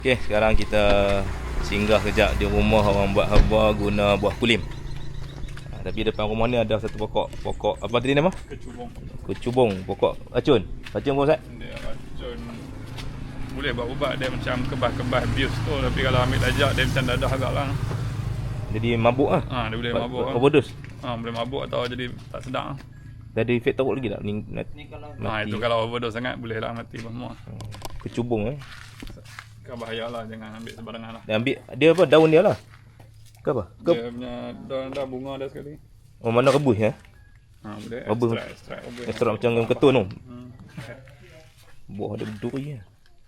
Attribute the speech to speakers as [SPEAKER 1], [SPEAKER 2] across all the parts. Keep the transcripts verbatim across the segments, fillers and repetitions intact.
[SPEAKER 1] Okey, sekarang kita singgah kejap di rumah orang buat herba guna buah kulim. Ha, tapi depan rumah ni ada satu pokok. Pokok apa tadi nama?
[SPEAKER 2] Kecubung.
[SPEAKER 1] Kecubung, pokok racun. Racun apa Ustaz?
[SPEAKER 2] Dia racun. Boleh buat ubat dia macam kebas-kebas abuse tu, tapi kalau ambil lajak dia macam dadah agak lah.
[SPEAKER 1] Jadi mabuk ah.
[SPEAKER 2] Ha, dia boleh mabuk. Lah.
[SPEAKER 1] Overdose.
[SPEAKER 2] Ha, boleh mabuk atau jadi tak sedap.
[SPEAKER 1] Dah ada efek teruk lagi tak? Ni,
[SPEAKER 2] Ni kalau ha, itu kalau overdose sangat boleh lah mati semua.
[SPEAKER 1] Kecubung eh.
[SPEAKER 2] Kan bahayalah, jangan ambil sembarangan lah.
[SPEAKER 1] Dia ambil dia apa? Daun dia lah. Ke apa? Ke
[SPEAKER 2] Dia punya daun dah bunga dah sekali.
[SPEAKER 1] oh, mana rebus ya?
[SPEAKER 2] Ha, boleh
[SPEAKER 1] Rebus.
[SPEAKER 2] extract, extract, rebus.
[SPEAKER 1] Extract macam yang ketun tu.
[SPEAKER 2] Hmm.
[SPEAKER 1] Buah dia berduri ya.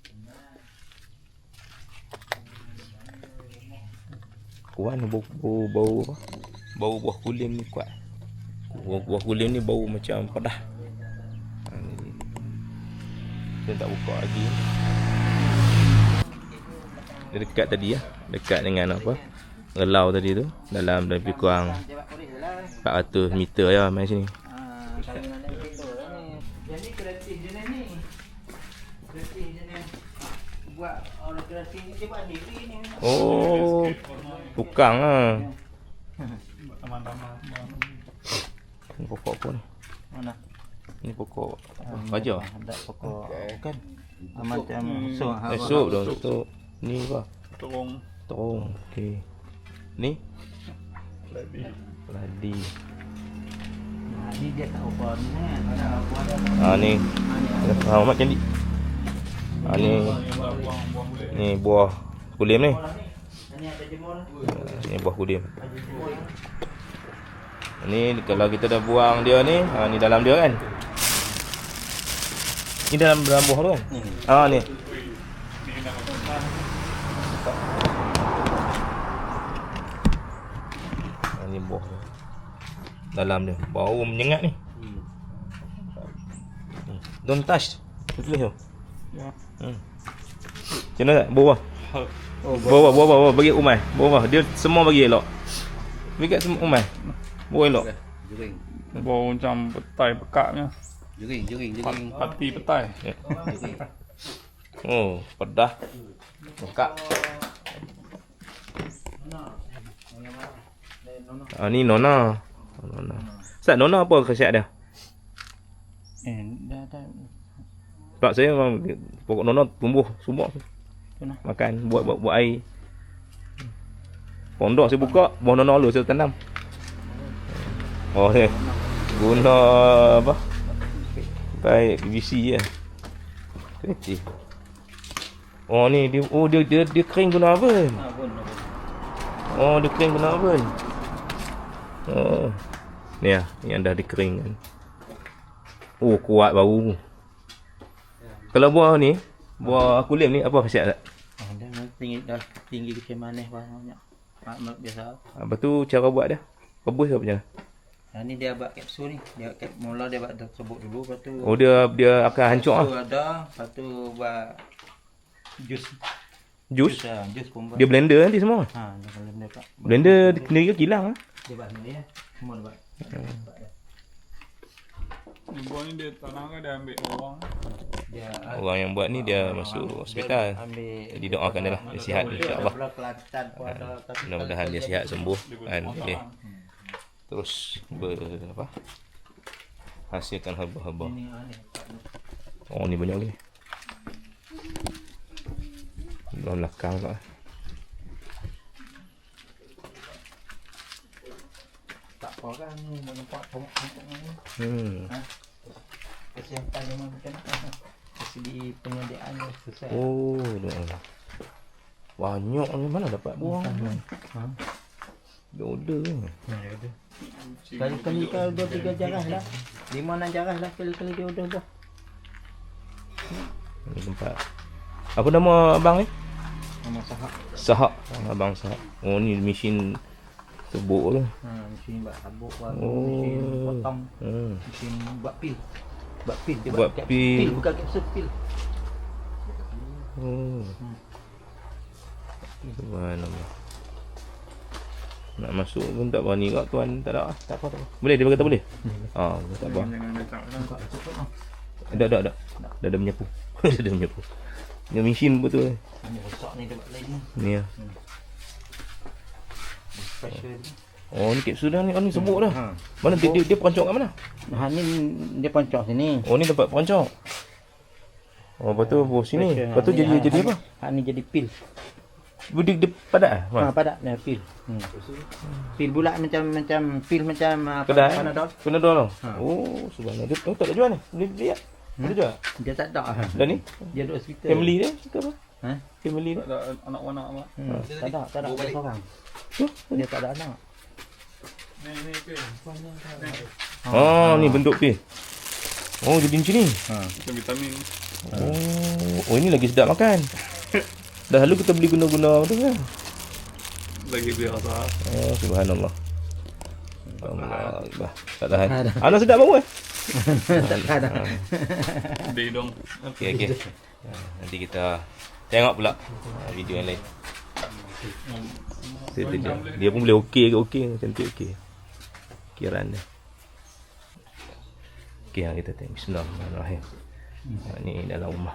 [SPEAKER 1] Kuat bau, bau bau apa? Bau buah kulim ni kuat. Buah, buah kulim ni bau macam pedas. Ha, ni. Dia tak buka lagi. Dia dekat tadi ya, dekat dengan apa? Relau tadi tu, dalam lebih kurang empat ratus meter ya main sini.
[SPEAKER 3] Jadi kreatif jenis ni. Kreatif jenis buat orang kreatif ni dia buat sendiri ni.
[SPEAKER 1] Oh, tukang ah.
[SPEAKER 2] Taman-taman.
[SPEAKER 1] Ni pokok apa ni?
[SPEAKER 3] Mana?
[SPEAKER 1] Ni pokok apa? Baja.
[SPEAKER 3] Ada pokok kan. Macam so ha.
[SPEAKER 1] Esok dah esok. Ni apa?
[SPEAKER 2] Terung.
[SPEAKER 1] Terung. Okey. Ni
[SPEAKER 2] Ladi.
[SPEAKER 1] ladi.
[SPEAKER 3] Nah, ni dia tak apa ni kan. Ada apa ada.
[SPEAKER 1] Ah ni. Ha mak cantik. Ah ni
[SPEAKER 2] Buang-buang boleh.
[SPEAKER 1] ni buah kulim ni.
[SPEAKER 3] Ni ada jemur.
[SPEAKER 1] Ni buah kulim. Ni kalau kita dah buang dia ni, ha ni dalam dia kan. Ni dalam dalam buah tu kan. Ah ni. Ha, ni buah tu. Dalam dia bau menyengat ni. Hmm. Don't touch. Tulis tu.
[SPEAKER 2] Ya.
[SPEAKER 1] Hmm. Macam mana tak? Bawah. Oh, bawah, bawah, bawah. Bagi Umai. Bawah. Dia semua bagi elok. Bagi kat semua Umai. Bawah elok.
[SPEAKER 3] Jering.
[SPEAKER 2] Bau macam petai pekaknya.
[SPEAKER 3] Jering, jering, jering.
[SPEAKER 2] Pati petai.
[SPEAKER 1] Ya. Oh, pedas. Bekak. Ah ni nona. Nona. Ustaz, nona apa khasiat dia?
[SPEAKER 3] Eh, dah dah.
[SPEAKER 1] Sebab saya memang pokok nona tumbuh semua.
[SPEAKER 3] Kenapa?
[SPEAKER 1] Makan buat buat buat air. Pondok saya buka, buah nona lu saya tanam. Oh ni. Guna apa? Pakai P V C je. Kreatif. Oh ni dia oh dia dia, dia kering guna apa?
[SPEAKER 3] Ah, pun.
[SPEAKER 1] Oh dia kering guna apa? Oh. Ni ah, yang dah dikeringkan. Oh kuat bau. Kalau buah ni, buah kulim ni apa khasiat tak?
[SPEAKER 3] Ah, dah tinggi dah tinggi kecil manis banyak. Mak biasa.
[SPEAKER 1] Apa tu cara buat dia? Rebus ke apa macam?
[SPEAKER 3] Ha ni dia buat kapsul ni. Dia kap mula dia buat terbuk dulu, lepas tu
[SPEAKER 1] Oh dia dia akan hancur ah.
[SPEAKER 3] tu ada, lepas tu buat jus.
[SPEAKER 1] Jus.
[SPEAKER 3] Ah, jus pun buat.
[SPEAKER 1] Dia blender nanti semua.
[SPEAKER 3] Ha, dia blender kat.
[SPEAKER 1] Blender sendiri ke kilang ah?
[SPEAKER 3] Dia buat sendiri ya. Semua dia buat.
[SPEAKER 2] Ni buah ni dia tanam kan dia ambil orang.
[SPEAKER 3] Dia
[SPEAKER 1] Orang yang buat ni dia masuk hospital.
[SPEAKER 3] ambil.
[SPEAKER 1] Jadi doakan dia lah, dia sihat insya-Allah.
[SPEAKER 3] Belah Kelantan pun ada.
[SPEAKER 1] Mudah-mudahan dia sihat sembuh kan boleh terus ber, apa? Hasilkan herba-herba.
[SPEAKER 3] Ini ah, ni.
[SPEAKER 1] Oh ni banyak lagi. Dalam belakang tak.
[SPEAKER 3] Tak apa kan ni nampak pokok-pokok ni.
[SPEAKER 1] Hmm.
[SPEAKER 3] Ha. Kesihatan memang macam mana? Dari segi penyediaannya susah.
[SPEAKER 1] Oh, dah. Banyak ni mana dapat buang?
[SPEAKER 3] Ha.
[SPEAKER 1] Dia order ni.
[SPEAKER 3] Ya, ada. Kali-kali kalau dua tiga jarah lah. Lima enam jarah lah kali-kali dia udah dah.
[SPEAKER 1] Ni tempat. Apa nama abang ni?
[SPEAKER 3] Nama sahak.
[SPEAKER 1] Sahak. Abang Sahak. Oh ni mesin tebuk tu.
[SPEAKER 3] Ha, mesin buat sabuk, buat
[SPEAKER 1] Oh.
[SPEAKER 3] mesin potong,
[SPEAKER 1] Hmm.
[SPEAKER 3] mesin buat pil. Buat pil dia
[SPEAKER 1] Buat
[SPEAKER 3] kapsul.
[SPEAKER 1] pil.
[SPEAKER 3] Pil bukan kapsul pil.
[SPEAKER 1] Oh. Subhanallah. Nak masuk pun tak berani kat tuan, tak ada. Tak apa tak apa. Boleh dia kata boleh? Ah, tak apa.
[SPEAKER 2] Jangan letak lah.
[SPEAKER 1] Ada ada ada. Dah ada menyapu. Dah ada menyapu. Yang mesin betul.
[SPEAKER 3] Ini rosak ni tempat lain ni.
[SPEAKER 1] Ni ya.
[SPEAKER 3] Special ni.
[SPEAKER 1] Oh ni kapsul dah ni. Oh ni sebut dah.
[SPEAKER 3] Ha.
[SPEAKER 1] Mana dia dia, dia peroncok kat mana?
[SPEAKER 3] Ha ni dia poncok sini.
[SPEAKER 1] Oh ni tempat peroncok. Oh lepas tu bawah sini.
[SPEAKER 3] Special.
[SPEAKER 1] Lepas tu
[SPEAKER 3] Ha,
[SPEAKER 1] jadi
[SPEAKER 3] ni,
[SPEAKER 1] jadi
[SPEAKER 3] ha,
[SPEAKER 1] apa?
[SPEAKER 3] Ha ni jadi pil.
[SPEAKER 1] Dia, dia padat ah?
[SPEAKER 3] Ha padat dia pil. Hmm. Pil bulat macam macam pil macam apa
[SPEAKER 1] Kedai.
[SPEAKER 3] Panadol.
[SPEAKER 1] Panadol tau.
[SPEAKER 3] Ha.
[SPEAKER 1] Oh subhanallah. Dia oh, tak ada jual ni. Boleh beli tak? Boleh jual?
[SPEAKER 3] Dia tak ada.
[SPEAKER 1] Dan ni
[SPEAKER 3] Dia duduk hospital.
[SPEAKER 1] family dia ke apa?
[SPEAKER 3] Ha?
[SPEAKER 1] Family dia.
[SPEAKER 2] Tak ada anak anak apa.
[SPEAKER 3] Hmm. Tak ada, tak ada dia seorang.
[SPEAKER 1] Oh,
[SPEAKER 3] Dia tak ada anak.
[SPEAKER 2] Ni ni pin.
[SPEAKER 1] oh ni bentuk pil. Oh jadi macam ni.
[SPEAKER 3] Ha.
[SPEAKER 2] Macam vitamin.
[SPEAKER 1] Oh, oh ini lagi sedap makan. Dah lalu kita beli guna-guna tu kan.
[SPEAKER 2] Lagi biar rasa.
[SPEAKER 1] Oh subhanallah. Allah Akbar. Tak tahan.
[SPEAKER 3] Tak tahan.
[SPEAKER 1] Anak sedap bau eh?
[SPEAKER 3] Tak ada.
[SPEAKER 2] Dia dong.
[SPEAKER 1] Okey okey. Ha, nanti kita tengok pula ha, video yang lain. Dia, dia, dia pun boleh okey ke okey, cantik okey. Kiraan dia. Okey, ha, kita tengok bismillahirrahmanirrahim. Ha, ni dalam rumah.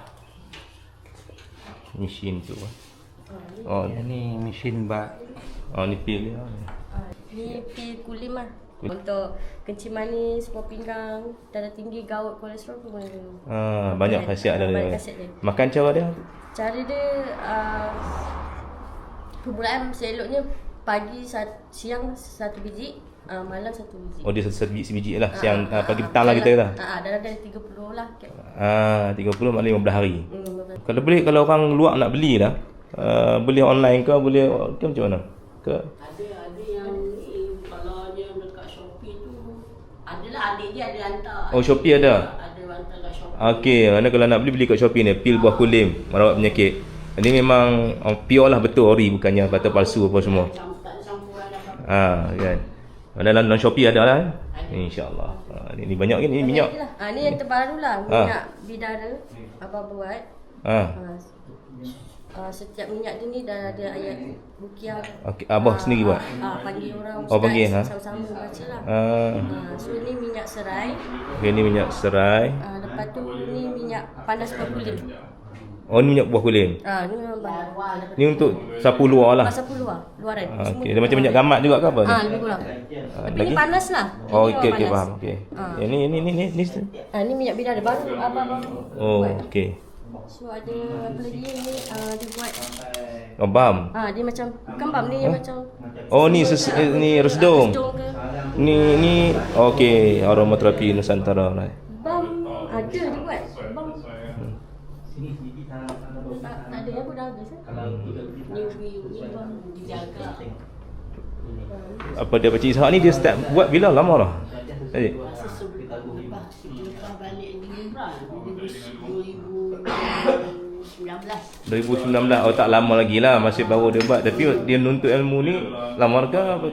[SPEAKER 1] Mesin tu. Oh,
[SPEAKER 3] Yang ni mesin bak.
[SPEAKER 1] oh ni pil dia.
[SPEAKER 4] Ah, ni pil kulim lah. Untuk kencing manis, buah pinggang, darah tinggi, gout, kolesterol pun boleh minum.
[SPEAKER 1] Ha, banyak khasiat
[SPEAKER 4] Ah,
[SPEAKER 1] dia.
[SPEAKER 4] banyak khasiat dia.
[SPEAKER 1] Makan cara dia.
[SPEAKER 4] Cara dia uh, permulaan seloknya pagi sat, siang satu biji, uh, malam satu biji.
[SPEAKER 1] Oh dia satu biji sebiji lah.
[SPEAKER 4] Ah,
[SPEAKER 1] Siang
[SPEAKER 4] ah,
[SPEAKER 1] ah, pagi
[SPEAKER 4] ah,
[SPEAKER 1] petang lah kita kata.
[SPEAKER 4] Ah, ah, dalam dari tiga puluh lah.
[SPEAKER 1] Ah, tiga puluh maknanya lima belas hari.
[SPEAKER 4] Hmm, betul.
[SPEAKER 1] Kalau boleh kalau orang luar nak beli lah, uh, beli online ke boleh ke macam mana? Ke
[SPEAKER 5] Ada ada yang ni kalau yang dekat Shopee tu adalah adik dia ada hantar.
[SPEAKER 1] Oh, Shopee ada?
[SPEAKER 5] Ada hantar kat Shopee.
[SPEAKER 1] okey, mana kalau nak beli beli kat Shopee ni pil buah kulim merawat penyakit. Ini memang oh, pure lah betul ori bukannya kata palsu apa semua.
[SPEAKER 5] Macam tak ada campuran apa.
[SPEAKER 1] Ha kan. Dalam dalam Shopee ada lah. Insya-Allah. Ha, ni, ni banyak kan ni minyak.
[SPEAKER 4] Lah. Ah, ni yang terbaru lah, minyak bidara. Abang buat.
[SPEAKER 1] Ha.
[SPEAKER 4] Ah, Uh, setiap minyak dia ni dah ada ayat rukiah.
[SPEAKER 1] Okey, abah sendiri buat.
[SPEAKER 4] Ah, panggil orang
[SPEAKER 1] Oh, panggil, ha?
[SPEAKER 4] sama-sama baca lah.
[SPEAKER 1] Ha.
[SPEAKER 4] Ah, so ni minyak serai.
[SPEAKER 1] Okey ni minyak serai.
[SPEAKER 4] Ah, lepas tu ni minyak panas berkulit.
[SPEAKER 1] Oh ni minyak buah kulim.
[SPEAKER 4] Ah, ni memang panas.
[SPEAKER 1] Ni untuk sapu luar lah.
[SPEAKER 4] Masa luar, luaran.
[SPEAKER 1] Ha, okey, dia macam minyak gamat juga ke apa ni?
[SPEAKER 4] Ah, lebih kurang.
[SPEAKER 1] Ah,
[SPEAKER 4] Tapi
[SPEAKER 1] lagi?
[SPEAKER 4] ni panas lah.
[SPEAKER 1] Oh
[SPEAKER 4] Ini
[SPEAKER 1] okey
[SPEAKER 4] memang
[SPEAKER 1] okey
[SPEAKER 4] panas.
[SPEAKER 1] faham. Okey.
[SPEAKER 4] Ah.
[SPEAKER 1] Yang ni ni ni ni ni.
[SPEAKER 4] Ah, ni minyak bidara baru abang-abang.
[SPEAKER 1] Oh
[SPEAKER 4] buat.
[SPEAKER 1] okey.
[SPEAKER 4] So ada apa lagi ni uh, dia buat.
[SPEAKER 1] Oh bam.
[SPEAKER 4] Ah, dia macam bukan bam ni
[SPEAKER 1] Huh?
[SPEAKER 4] macam
[SPEAKER 1] Oh ni ses, eh, ni resdung.
[SPEAKER 4] sedung ke.
[SPEAKER 1] Ni ni okey aromaterapi Nusantara lah.
[SPEAKER 4] Bam ada dia buat. Bam. Tak, tak ada yang pun dah habis eh.
[SPEAKER 5] Ni ni bang dijaga.
[SPEAKER 1] Apa dia Pakcik Ishak ni dia start buat bila lama dah? Tadi.
[SPEAKER 5] Masa sebelum lepas lepas balik di Umrah dua ribu sembilan belas.
[SPEAKER 1] dua ribu sembilan belas. Oh tak lama lagi lah masih baru dia buat. Tapi dia nuntut ilmu ni lama ke apa?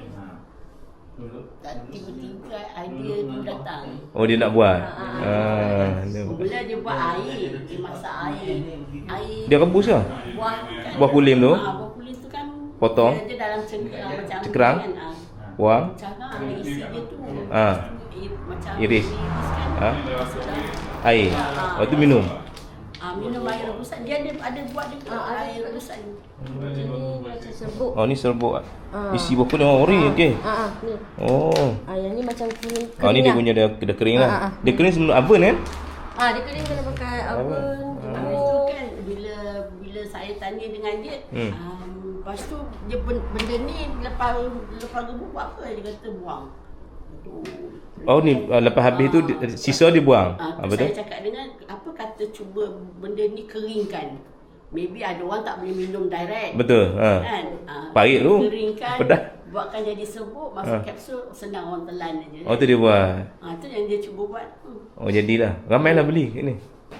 [SPEAKER 5] Tak tiba-tiba idea tu datang.
[SPEAKER 1] Oh dia nak buat. Ah, dia,
[SPEAKER 5] Mula dia buat air, dia masak air. Air
[SPEAKER 1] dia rebus ke?
[SPEAKER 5] buah kan,
[SPEAKER 1] Buah kulim tu?
[SPEAKER 5] Ah, buah kulim tu kan
[SPEAKER 1] Potong?
[SPEAKER 5] Dia, dia dalam cengkerang macam
[SPEAKER 1] Cekerang?
[SPEAKER 5] kan. ah.
[SPEAKER 1] Buang.
[SPEAKER 5] Cara ada isi dia tu.
[SPEAKER 1] Ah.
[SPEAKER 5] I, macam
[SPEAKER 1] Iris.
[SPEAKER 5] kan.
[SPEAKER 1] Ah.
[SPEAKER 5] Masukkan.
[SPEAKER 1] Air. Oh tu minum.
[SPEAKER 5] Ah, minum air rebusan. Dia ada ada buat dia
[SPEAKER 4] Ah, ada
[SPEAKER 5] air
[SPEAKER 4] juga.
[SPEAKER 5] rebusan.
[SPEAKER 4] Jadi macam serbuk.
[SPEAKER 1] Oh ni serbuk.
[SPEAKER 4] Ah.
[SPEAKER 1] Isi buah kulim oh, ori okey.
[SPEAKER 4] Ah, ah ni.
[SPEAKER 1] Oh.
[SPEAKER 4] Ah yang ni macam kuning.
[SPEAKER 1] Oh ni dia
[SPEAKER 4] kering lah.
[SPEAKER 1] punya dia, dia kering lah.
[SPEAKER 4] Ah, ah, ah.
[SPEAKER 1] Dia kering sebelum oven kan?
[SPEAKER 4] Ah dia kering kena pakai oven.
[SPEAKER 5] Lepas tu kan bila bila saya tanya dengan dia,
[SPEAKER 1] Hmm.
[SPEAKER 5] um, lepas tu dia ben- benda ni lepas lepas rebus buat apa? Dia kata buang. Tu.
[SPEAKER 1] Oh ni uh, lepas habis tu di- sisa dia buang.
[SPEAKER 5] Ah,
[SPEAKER 1] Ah,
[SPEAKER 5] tu
[SPEAKER 1] betul?
[SPEAKER 5] saya cakap dengan apa kata cuba benda ni keringkan. Maybe ada orang tak boleh minum direct.
[SPEAKER 1] Betul. Ha.
[SPEAKER 5] Kan? Ah,
[SPEAKER 1] Pahit tu.
[SPEAKER 5] Keringkan.
[SPEAKER 1] Pedas.
[SPEAKER 5] Buatkan jadi serbuk, masuk
[SPEAKER 1] Ah.
[SPEAKER 5] kapsul, senang orang telan aja.
[SPEAKER 1] Oh tu dia buat.
[SPEAKER 5] Ah, tu yang dia cuba buat. Hmm.
[SPEAKER 1] Oh jadilah. Ramailah beli kat ni.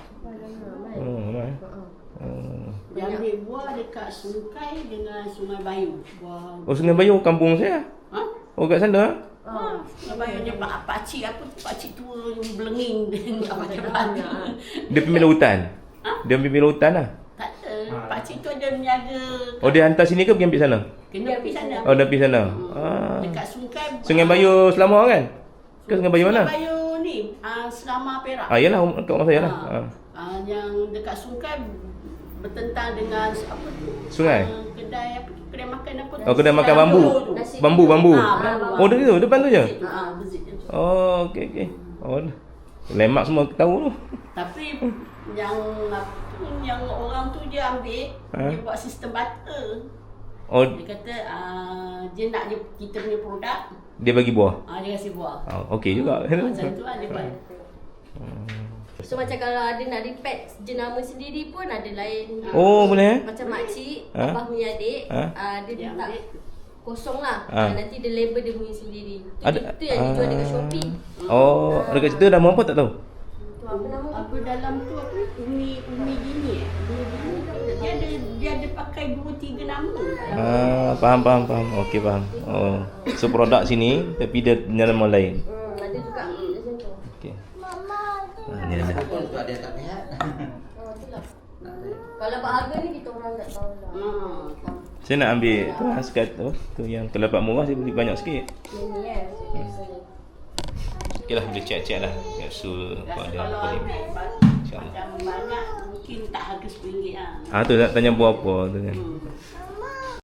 [SPEAKER 1] Oh, ramai. Oh.
[SPEAKER 5] Dia ambil buah dekat Sungai dengan Sungai Bayu. Buah.
[SPEAKER 1] Oh Sungai Bayu kampung saya.
[SPEAKER 5] Ha?
[SPEAKER 1] Oh kat sana.
[SPEAKER 5] Ha, Sungai Bayu dia pak pakcik apa tu pakcik tua yang belenging dia nak macam mana.
[SPEAKER 1] Dia pemilik hutan.
[SPEAKER 5] Ha?
[SPEAKER 1] Dia pemilik hutan lah.
[SPEAKER 5] Tak ada. Pakcik tu ada menjaga.
[SPEAKER 1] Oh dia hantar sini ke pergi ambil sana?
[SPEAKER 5] Kena pergi sana.
[SPEAKER 1] Oh dah pergi sana. Ah.
[SPEAKER 5] Dekat Sungai.
[SPEAKER 1] Sungai Bayu Selama kan? Ke Sungai Bayu mana?
[SPEAKER 5] Sungai Bayu ni, ah Selama Perak.
[SPEAKER 1] Ah yalah kat rumah saya lah.
[SPEAKER 5] Ha.
[SPEAKER 1] Ah.
[SPEAKER 5] Ah, yang dekat Sungai bertentang dengan apa tu?
[SPEAKER 1] Sungai?
[SPEAKER 5] Uh, kedai apa tu? Kedai makan apa tu?
[SPEAKER 1] Oh, kedai makan bambu.
[SPEAKER 5] Nasi
[SPEAKER 1] Bambu, bambu.
[SPEAKER 5] Ah, bambu.
[SPEAKER 1] Oh, dekat tu, depan tu je.
[SPEAKER 5] Ah, masjid tu.
[SPEAKER 1] Oh, okey okey. Oh. Lemak semua tahu tu.
[SPEAKER 5] Tapi yang apa tu, yang orang tu dia ambil,
[SPEAKER 1] Ha?
[SPEAKER 5] dia buat sistem barter.
[SPEAKER 1] Oh,
[SPEAKER 5] Dia kata uh, dia nak dia, kita punya produk,
[SPEAKER 1] dia bagi buah.
[SPEAKER 5] uh, dia kasi buah.
[SPEAKER 1] Oh, okey juga.
[SPEAKER 5] Macam tu lah dia buat.
[SPEAKER 4] So macam kalau ada nak repack jenama sendiri pun ada lain.
[SPEAKER 1] Oh, boleh eh?
[SPEAKER 4] Macam makcik,
[SPEAKER 1] Ha?
[SPEAKER 4] abah punya adik,
[SPEAKER 1] Ha?
[SPEAKER 4] uh, dia
[SPEAKER 5] Dia
[SPEAKER 4] minta
[SPEAKER 5] ambil.
[SPEAKER 4] kosong lah.
[SPEAKER 1] Ha.
[SPEAKER 4] Uh, nanti dia label dia punya sendiri. Itu,
[SPEAKER 1] Ada-
[SPEAKER 4] itu yang dijual dekat
[SPEAKER 1] ah.
[SPEAKER 4] Shopee.
[SPEAKER 1] Oh, dekat situ nama apa tak tahu?
[SPEAKER 4] Tu apa nama?
[SPEAKER 5] Apa dalam tu apa? Umi Umi Dini eh? Umi Dini dia ada dia ada pakai dua tiga nama.
[SPEAKER 1] Ah, faham faham faham. Okey faham. Oh, so produk sini tapi dia punya nama lain.
[SPEAKER 4] Hmm, ada juga macam tu.
[SPEAKER 1] Okey. Ah, ni ada.
[SPEAKER 3] Pun tu ada tak lihat.
[SPEAKER 4] Oh, itulah. Kalau buat harga ni kita orang tak tahu lah.
[SPEAKER 5] Hmm.
[SPEAKER 1] Saya nak ambil tu haskat tu, tu yang kalau dapat murah saya beli banyak sikit.
[SPEAKER 4] Yang ni eh. biasanya.
[SPEAKER 1] Okeylah, boleh check-check lah kapsul apa
[SPEAKER 5] Rasa
[SPEAKER 1] ada
[SPEAKER 5] kalau
[SPEAKER 1] apa ni.
[SPEAKER 5] ambil ba-
[SPEAKER 1] InsyaAllah.
[SPEAKER 5] macam banyak mungkin tak harga sepuluh ringgit lah.
[SPEAKER 1] Ah tu nak tanya buah apa tu kan.
[SPEAKER 5] Hmm.